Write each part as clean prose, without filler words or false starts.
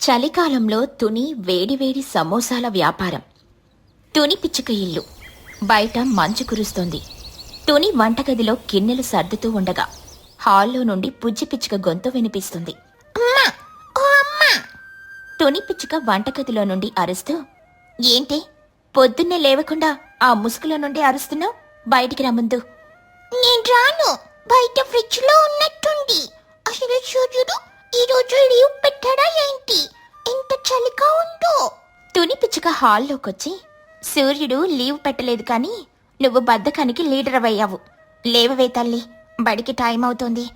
చలికాలంలో తుని వేడివేడి సమోసాల వ్యాపారం. తుని పిచ్చుక ఇల్లు. బయట మంచు కురుస్తోంది. తుని వంటగదిలో గిన్నెలు సర్దుతూ ఉండగా హాల్లో నుండి పుజ్జి పిచ్చుక గొంతు వినిపిస్తుంది. అమ్మా, ఓ అమ్మా! తుని పిచ్చుక వంటగదిలో నుండి అరుస్తూ, ఏంటి పొద్దున్నే లేవకుండా ఆ ముసుగులో నుండి అరుస్తున్నావు? బయటికి రమ్ముందు. నేను రాను, బయట ఫ్రిడ్జ్ లో ఉన్నట్టుంది. అసలు సూర్యుడు ఈ రోజు లీవ్ పెట్టాడా ఏంటి? ఎంత చలిగా ఉందో. తుని పిచ్చుక హాల్లోకొచ్చి, సూర్యుడు లీవ్ పెట్టలేదు కానీ నువ్వు బద్ధకానికి లీడర్ అయ్యావు. లేవవే తల్లి, బడికి టైం అవుతోంది.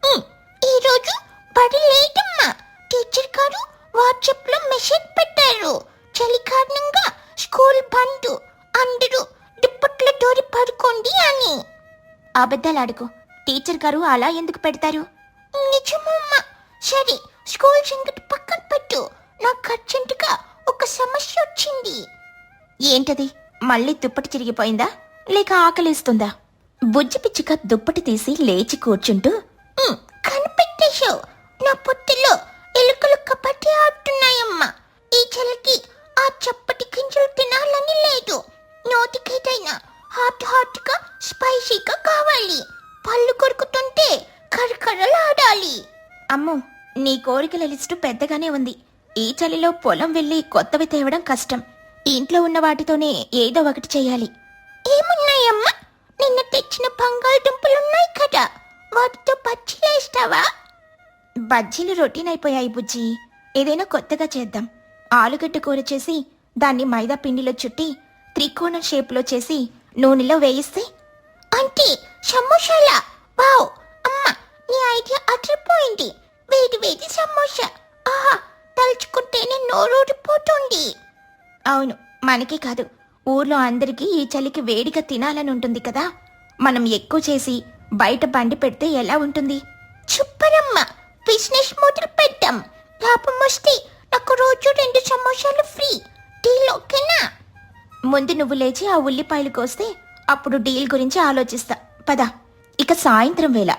ఈ రోజు బడి లేదమ్మా. టీచర్ గారు వాట్సాప్ లో మెసేజ్ పెట్టారు, చలి కారణంగా స్కూల్ బంద్, అందరూ దుప్పట్ల దూరి పడుకోండి అని. అబద్ధాలాడుకో, టీచర్ గారు అలా ఎందుకు పెడతారు? నిజమమ్మా. సరే, స్కూల్ సంగతి పక్కన పెట్టు. నాకు అర్జెంటుగా ఒక సమస్య వచ్చింది. ఏంటది? మళ్ళీ దుప్పటి చిరిగిపోయిందా లేక ఆకలిస్తుందా? బుజ్జి పిచ్చుక దుప్పటి తీసి లేచి కూర్చుంటూ, కనిపెట్టేశావు. నా పొట్టలో ఎలుకలు కబడ్డీ ఆడుతున్నాయమ్మా. ఈ చలికి ఆ చప్పటి గింజలు తినాలని లేదు. నోటికేదైనా హాట్ గా స్పైసీగా కావాలి. పళ్ళు కొరుకుతుంటే కరకరలాడాలి. అమ్మో, నీ కోరికల లిస్టు పెద్దగానే ఉంది. ఈ చలిలో పొలం వెళ్ళి కొత్తవి తేవడం కష్టం. ఇంట్లో ఉన్న వాటితోనే ఏదో ఒకటి చెయ్యాలి. ఏమున్నాయమ్మా? నిన్న తెచ్చిన బంగాళదుంపలున్నాయి కదా, వాటితో బజ్జీలేస్తావా? బజ్జీలు రొటీన్ అయిపోయాయి బుజ్జి. ఏదైనా కొత్తగా చేద్దాం. ఆలుగడ్డ కూర చేసి దాన్ని మైదా పిండిలో చుట్టి త్రికోణం షేప్లో చేసి నూనెలో వేయిస్తే. అంటే సమోసాలా? వావ్ అమ్మా, నీ ఐడియా అదిరిపోయింది. వేడి వేడి సమోసా, ఆహా, తలుచుకుంటేనే నోరూరిపోతుంది. అవును, మనకే కాదు, ఊర్లో అందరికీ ఈ చలికి వేడిగా తినాలని ఉంటుంది కదా. మనం ఎక్కువ చేసి బయట బండి పెడితే ఎలా ఉంటుంది? సూపరమ్మా, బిజినెస్ మొదలు పెట్టాం. లాభం వస్తే నాకు రోజు 2 సమోసాలు ఫ్రీ. డీల్ ఓకేనా? ముందు నువ్వు లేచి ఆ ఉల్లిపాయలు కోస్తే అప్పుడు డీల్ గురించి ఆలోచిస్తా. పద. ఇక సాయంత్రం వేళ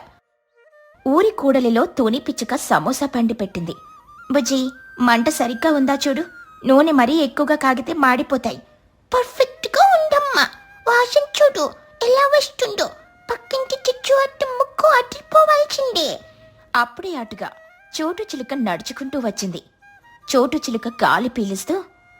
ఊరి కూడలిలో తుని పిచ్చుక సమోసా పండి పెట్టింది. బుజ్జి, మంట సరిగ్గా ఉందా చూడు. నూనె మరీ ఎక్కువగా కాగితే మాడిపోతాయి. పర్ఫెక్ట్ గా ఉందమ్మా. వాసన చూడు ఎలా వస్తుందో. పక్కింటి చిచ్చు అట్ట ముక్కు అదిరిపోవాల్సిందే. అప్పుడే అటుగా చోటు చిలుక నడుచుకుంటూ వచ్చింది. చోటు చిలుక గాలి పీలుస్తూ,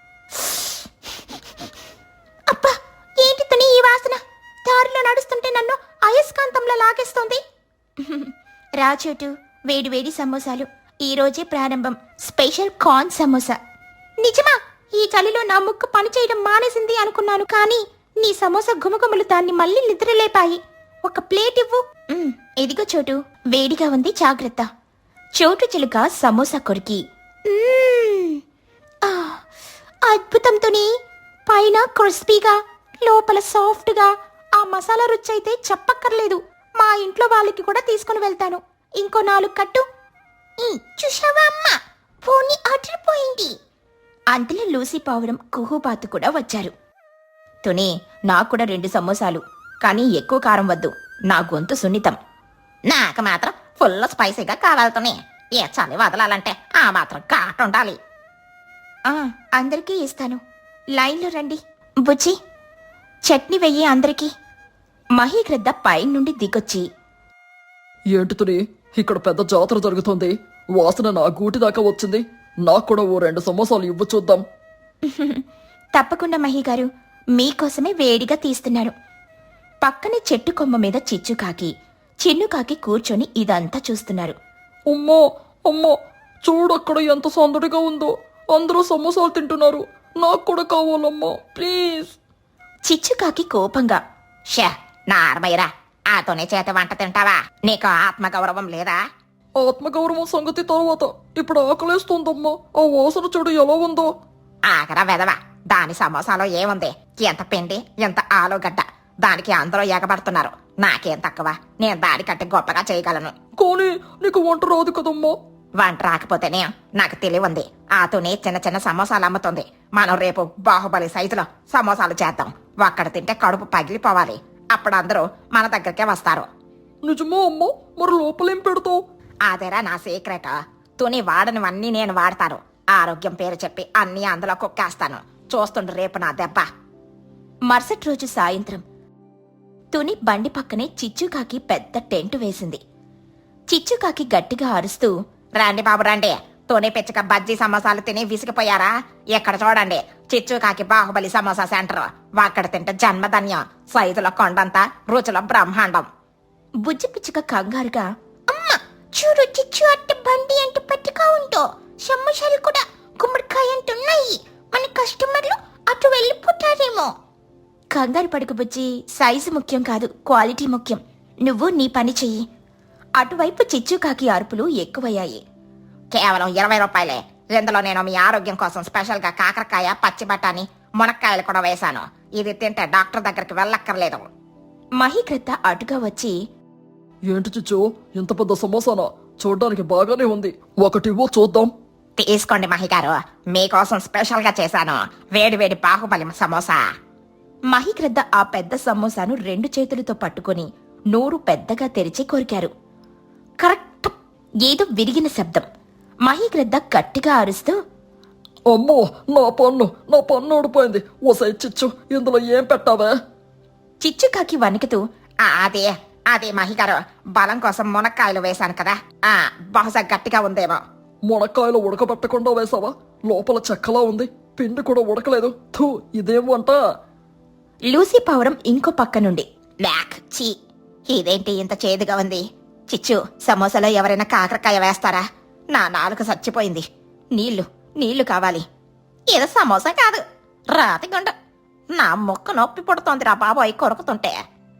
అబ్బా, ఏంటి తుని ఈ వాసన? దారిలో నడుస్తుంటే నన్ను అయస్కాంతంలో లాగేస్తోంది. రా చోటు, వేడి వేడి సమోసాలు. ఈ రోజే ప్రారంభం. Special corn samosa. నిజమా? ఈ చలిలో నా ముక్కు పనిచేయడం మానేసింది అనుకున్నాను, కానీ నీ సమోసా గుమగుమలు దాన్ని మళ్ళీ నిద్రలేపాయి. ఒక ప్లేట్ ఇవ్వు. ఇదిగో చోటు, వేడిగా ఉంది, జాగ్రత్త. చోటు చిలుక సమోసా కొరికి, అద్భుతం తుని. పైన క్రిస్పీగా, లోపల సాఫ్ట్గా. ఆ మసాలా రుచి అయితే చెప్పక్కర్లేదు. మా ఇంట్లో వాళ్ళకి కూడా తీసుకుని వెళ్తాను. ఇంకో 4 కట్టు. చూసావా అమ్మా, పోనీ అదిరిపోయింది. అంతలో లూసీ పావురం, కుహుబాతు కూడా వచ్చారు. తుని, నాకు కూడా 2 సమోసాలు, కానీ ఎక్కువ కారం వద్దు. నా గొంతు సున్నితం. నాకు మాత్రం ఫుల్ స్పైసీగా కావాలతోనే. ఏ చలి వదలాలంటే ఆ మాత్రం ఘాటు ఉండాలి. అందరికీ ఇస్తాను. లైన్లో రండి. బుజ్జి, చట్నీ వెయ్యి అందరికీ. మహీగ్రద్ద పై నుండి దిగొచ్చి, ఏంటి తుని, ఇక్కడ పెద్ద జాతర జరుగుతోంది. వాసన నా గూటి దాకా వచ్చింది. నాకు కూడా ఓ 2 సమోసాలు ఇవ్వు చూద్దాం. తప్పకుండా మహీగారు, మీకోసమే వేడిగా తీస్తున్నారు. పక్కనే చెట్టు కొమ్మ మీద చిచ్చుకాకి, చిన్నుకాకి కూర్చొని ఇదంతా చూస్తున్నారు. అమ్మో అమ్మో, చూడక్కడ ఎంత సందడిగా ఉందో. అందరూ సమోసాలు తింటున్నారు. నాకు కూడా కావాలమ్మా, ప్లీజ్. చిచ్చుకాకి కోపంగా, షా, నార్మయ్యరా, ఆతోనే చేత వంట తింటావా? నీకు ఆత్మగౌరవం లేదా? ఆత్మగౌరవం సంగతి తర్వాత, ఇప్పుడు ఆకలేస్తోందమ్మా. ఆ వాసన చూడు ఎలా ఉందో. ఆగరా వెదవా, దాని సమోసాలో ఏముంది? ఎంత పిండి, ఎంత ఆలుగడ్డ. దానికి అందరూ ఎగబడుతున్నారు. నాకేం తక్కువ? నేను దానికంటే గొప్పగా చేయగలను. కానీ నీకు వంట రాదు కదమ్మా. వంట రాకపోతేనే నాకు తెలివుంది. ఆతోనే చిన్న చిన్న సమోసాలు అమ్ముతుంది. మనం రేపు బాహుబలి సైజులో సమోసాలు చేద్దాం. ఒక్కడ తింటే కడుపు పగిలిపోవాలి. అప్పుడు అందరూ మన దగ్గరికే వస్తారు. నిజమా అమ్మా? మరి లోపలేం పెడతావు? అదేరా నా సీక్రెట్. తుని వాడనివన్నీ నేను వాడతాను. ఆరోగ్యం పేరు చెప్పి అన్నీ అందులో కుక్కేస్తాను. చూస్తుండు రేపు నా దెబ్బ. మరుసటి రోజు సాయంత్రం తుని బండి పక్కనే చిచ్చుకాకి పెద్ద టెంట్ వేసింది. చిచ్చుకాకి గట్టిగా అరుస్తూ, రండి బాబు రండి, తోనే పిచ్చక బజ్జీ సమోసాలు తిని విసిగిపోయారా? ఎక్కడ చూడండి, చిచ్చుకాకి బాహుబలి సమోసా సెంటర్. అక్కడ తింటే జన్మధన్యం. సైజులో కొండంతా, రుచిలో బ్రహ్మాండం. బుజ్జి పిచ్చుక కంగారుగా, అమ్మ చూడు, చిచ్చు అట్ట బండి అంటే పట్టుగా ఉంటో, సమోసాలు కూడా గుమ్మడికాయ అంటున్నాయి. మన కస్టమర్లు అటు వెళ్ళిపోతారేమో. కంగారు పడుకు బుజ్జి, సైజు ముఖ్యం కాదు, క్వాలిటీ ముఖ్యం. నువ్వు నీ పని చెయ్యి. అటువైపు చిచ్చుకాకి అరుపులు ఎక్కువయ్యాయి. కేవలం 20 రూపాయలే. ఇందులో నేను మీ ఆరోగ్యం కోసం స్పెషల్ గా కాకరకాయ, పచ్చి బఠానీ, మునక్కాయలు కూడా వేశాను. ఇది తింటే డాక్టర్ దగ్గరికి వెళ్ళక్కర్లేదు. మహీకృత అటుగా వచ్చి, ఏంటి చిచ్చు, ఇంత పెద్ద సమోసానా? చూడ్డానికి బాగానే ఉంది, ఒకటివ్వో చూద్దాం. తీసుకోండి మహిగారు, మీకోసం స్పెషల్ గా చేశాను వేడి వేడి బాహుబలి సమోసా. మహీకృత ఆ పెద్ద సమోసాను 2 చేతులతో పట్టుకొని నోరు పెద్దగా తెరిచి కొరికారు. కరెక్ట్! ఏదో విరిగిన శబ్దం. మహీకృత గట్టిగా అరుస్తూ, అమ్మో, నా పన్ను ఊడిపోయింది. ఓసై చిచ్చు, ఇందులో ఏం పెట్టావే? చిచ్చుకాకి వణుకుతూ, అదే మహిగారు, బలం కోసం మునక్కాయలు వేశాను కదా, బహుశా గట్టిగా ఉందేమో. మునక్కాయలు ఉడకబెట్టకుండా వేసావా? లోపల చెక్కలా ఉంది, పిండి కూడా ఉడకలేదు. థూ, ఇదేం వంట? లూసీ పవరం ఇంకో పక్క నుండి, బ్యాక్ చీ, ఇదేంటి ఇంత చేదుగా ఉంది? చిచ్చు, సమోసాలో ఎవరైనా కాకరకాయ వేస్తారా? నా నాలుక చచ్చిపోయింది. నీళ్లు కావాలి. ఏదో సమోసా కాదు, రాతిగుండ. నా ముక్క నొప్పి పుడుతోంది రా బాబోయ్ కొరుకుతుంటే.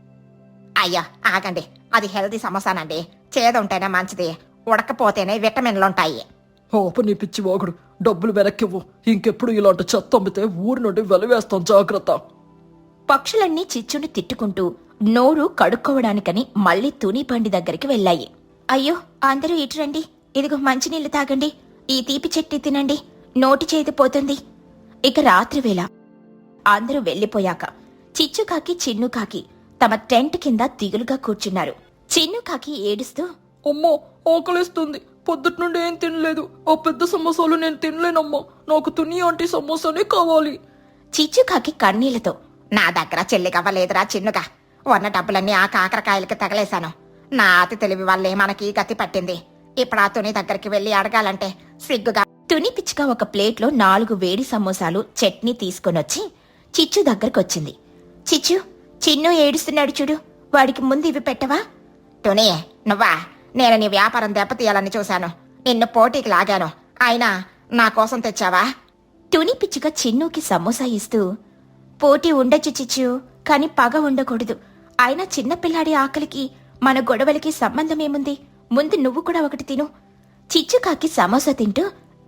అయ్యా ఆగండి, అది హెల్తీ సమోసానండి. చేదుంటేనే మంచిది, ఉడకపోతేనే విటమిన్లుంటాయి. ఓప నీ పిచ్చి వాగుడు, డబ్బులు వెనక్కివ్వు. ఇంకెప్పుడు ఇలాంటి చెత్త అమ్మితే ఊరి నుండి వెలివేస్తాం, జాగ్రత్త. పక్షులన్నీ చిచ్చుని తిట్టుకుంటూ నోరు కడుక్కోవడానికని మళ్లీ తుని బండి దగ్గరికి వెళ్ళాయి. అయ్యో, అందరూ ఇటురండి, ఇదిగో మంచినీళ్లు తాగండి, ఈ తీపి చెట్టి తినండి, నోటి చేతి పోతుంది. ఇక రాత్రివేళ అందరూ వెళ్లిపోయాక చిచ్చుకాకి, చిన్నుకాకి తమ టెంట్ కింద దిగులుగా కూర్చున్నారు. చిన్నుకాకి ఏడుస్తూ, అమ్మో, ఆకలిస్తుంది, పొద్దుటి నుండి ఏం తినలేదు. ఆ పెద్ద సమోసాలు నేను తినలేనమ్మా, నాకు తుని ఆంటీ సమోసానే కావాలి. చిచ్చుకాకి కన్నీళ్లతో, నా దగ్గర చెల్లికవ్వలేదురా చిన్నుగా. ఉన్న డబ్బులన్నీ ఆ కాకరకాయలకి తగలేశాను. నా అతి తెలివి వల్లే మనకి గతి పట్టింది. ఇప్పుడు ఆ తుని దగ్గరికి వెళ్ళి అడగాలంటే సిగ్గుగా. తుని పిచ్చుక ఒక ప్లేట్లో 4 వేడి సమోసాలు, చట్నీ తీసుకొనొచ్చి చిచ్చు దగ్గరకొచ్చింది. చిచ్చు, చిన్ను ఏడుస్తున్నాడు చూడు, వాడికి ముందు ఇవి పెట్టవా? తుని, నువ్వా? నేను నీ వ్యాపారం దెబ్బతీయాలని చూశాను, నిన్ను పోటీకి లాగాను, అయినా నా కోసం తెచ్చావా? తుని పిచ్చుక చిన్నుకి సమోసా ఇస్తూ, పోటీ ఉండొచ్చు చిచ్చు, కాని పగ ఉండకూడదు. అయినా చిన్నపిల్లాడి ఆకలికి మన గొడవలకి సంబంధమేముంది? ముందు నువ్వు కూడా ఒకటి తిను. చిచ్చుకాకి సమోసా తింటూ,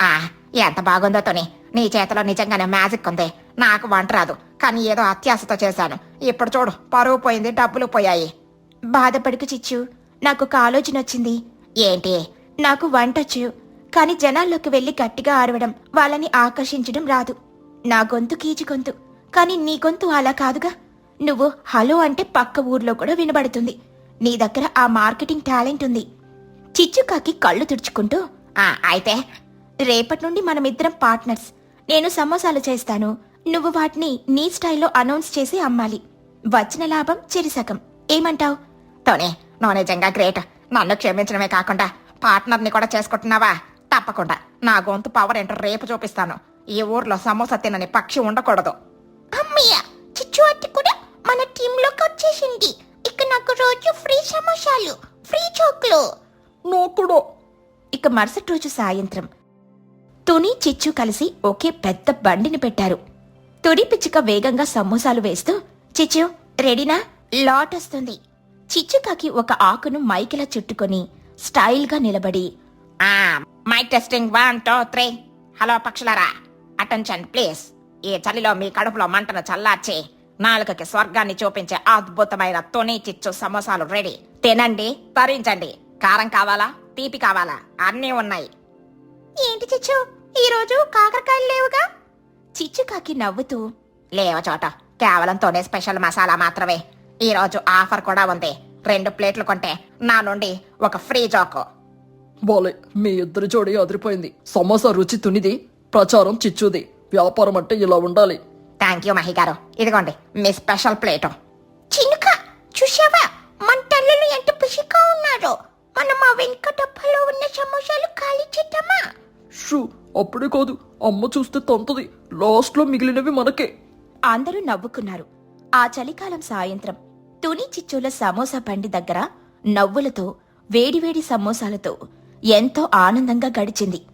ఎంత బాగుందో తుని, నీ చేతిలో నిజంగానే మ్యాజిక్ ఉంది. నాకు వంట రాదు, కానీ ఏదో అత్యాశతో చేశాను. ఇప్పుడు చూడు, పరువు పోయింది, డబ్బులు పోయాయి. బాధపడుకు చిచ్చు, నాకొక ఆలోచన వచ్చింది. ఏంటి? నాకు వంటొచ్చు, కాని జనాల్లోకి వెళ్లి గట్టిగా ఆరవడం, వాళ్ళని ఆకర్షించడం రాదు. నా గొంతు కీచు గొంతు, కాని నీ గొంతు అలా కాదుగా. నువ్వు హలో అంటే పక్క ఊర్లో కూడా వినబడుతుంది. నీ దగ్గర ఆ మార్కెటింగ్ టాలెంట్ ఉంది. చిచ్చుకాకి కళ్ళు తుడుచుకుంటూ, అయితే రేపటి నుండి మనమిద్దరం పార్ట్నర్స్. నేను సమోసాలు చేస్తాను, నువ్వు వాటిని నీ స్టైల్లో అనౌన్స్ చేసి అమ్మాలి. వచ్చిన లాభం చెరిసగం. ఏమంటావ్? టోనీ, నువ్వు నిజంగా గ్రేట్. నన్ను క్షమించడమే కాకుండా పార్ట్నర్ని కూడా చేసుకుంటున్నావా? తప్పకుండా నా గొంతు పవర్ ఏంటో రేపు చూపిస్తాను. ఈ ఊర్లో సమోసా తినని పక్షి ఉండకూడదు. అమ్మయ్య, చిచ్చు అట్టి కూడా మన టీంలోకి వచ్చేసింది. ఇక నాకు రోజు ఫ్రీ సమోసాలు, ఫ్రీ చోక్లు. నాకు. ఇక మరుసటి రోజు సాయంత్రం తుని, చిచ్చు కలిసి ఒకే పెద్ద బండిని పెట్టారు. తుని పిచ్చుక వేగంగా సమోసాలు వేస్తూ, చిచ్చు రెడీనా? లాట్ వస్తుంది. చిచ్చుకాకి ఒక ఆకును మైకిలా చుట్టుకొని స్టైల్గా నిలబడి, మైక్ టెస్టింగ్ 1 2 3. హలో పక్షులారా, అటెన్షన్ ప్లీజ్. ఈ చలిలో మీ కడుపులో మంటను చల్లార్చి నాలుకకి స్వర్గాన్ని చూపించే అద్భుతమైన తుని చిచ్చు సమోసాలు రెడీ. తినండి, తరించండి. కారం కావాలా, తీపి కావాలా, అన్నీ ఉన్నాయి. ఏంటి చిచ్చు, ఈరోజు కాకరకాయలు లేవుగా? చిచ్చుకాకి నవ్వుతూ, లేవ చోట కేవలం తోనే స్పెషల్ మసాలా మాత్రమే. ఈ రోజు ఆఫర్ కూడా ఉంది. 2 ప్లేట్లు కొంటే నా నుండి ఒక ఫ్రీ జోకు. బాలే, మీ ఇద్దరి జోడి అదిరిపోయింది. సమోసా రుచి తునిది, ప్రచారం చిచ్చుది. వ్యాపారం అంటే ఇలా ఉండాలి. థ్యాంక్ యూ మహిగారు, ఇదిగోండి మీ స్పెషల్ ప్లేట్. చినుక చూసావా మన తల్లులు ఎంత పిసిగా ఉన్నారో. మనం ఆ వెనుక డబ్బాలో ఉన్న సమోసాలు ఖాళీ చేద్దామా? షూ, అప్పుడే కాదు, అమ్మ చూస్తే తంతది. లాస్ట్లో మిగిలినవి మనకే. అందరూ నవ్వుకున్నారు. ఆ చలికాలం సాయంత్రం తుని చిచ్చుల సమోసా బండి దగ్గర నవ్వులతో వేడివేడి సమోసాలతో ఎంతో ఆనందంగా గడిచింది.